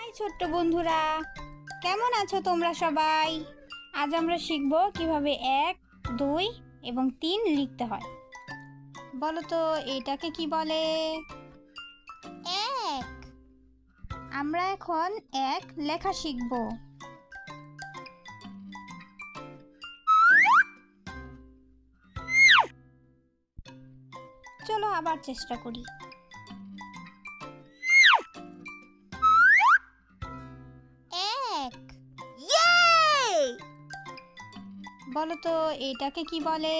ছোট্ট বন্ধুরা, কেমন আছো তোমরা সবাই? আজ আমরা শিখব কিভাবে 1, 2 এবং 3 লিখতে হয়। বলো তো এটাকে কি বলে? 1। আমরা এখন 1 লেখা শিখব। চলো আবার চেষ্টা করি। বলো তো এটাকে কি বলে?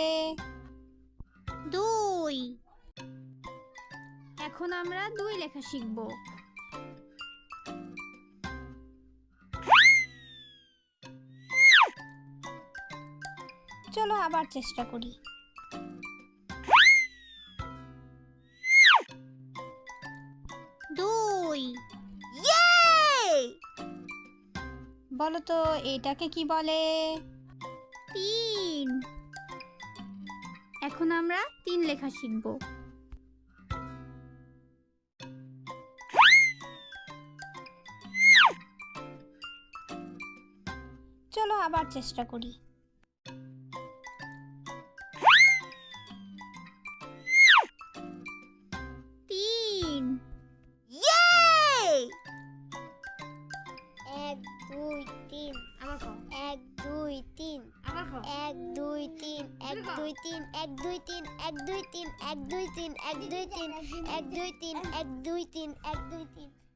2। এখন আমরা 2 লেখা শিখব। চলো আবার চেষ্টা করি। বলো তো এটাকে কি বলে? 3। এখন আমরা 3 লেখা শিখব। চলো আবার চেষ্টা করি। এক দুই তিন আবার খাও। 1 2 3 আবার খাও। 1 2 3 1 2 3 1 2 3 1 2 3 1 2 3 1 2 3 1 2 3 1 2 3 1 2 3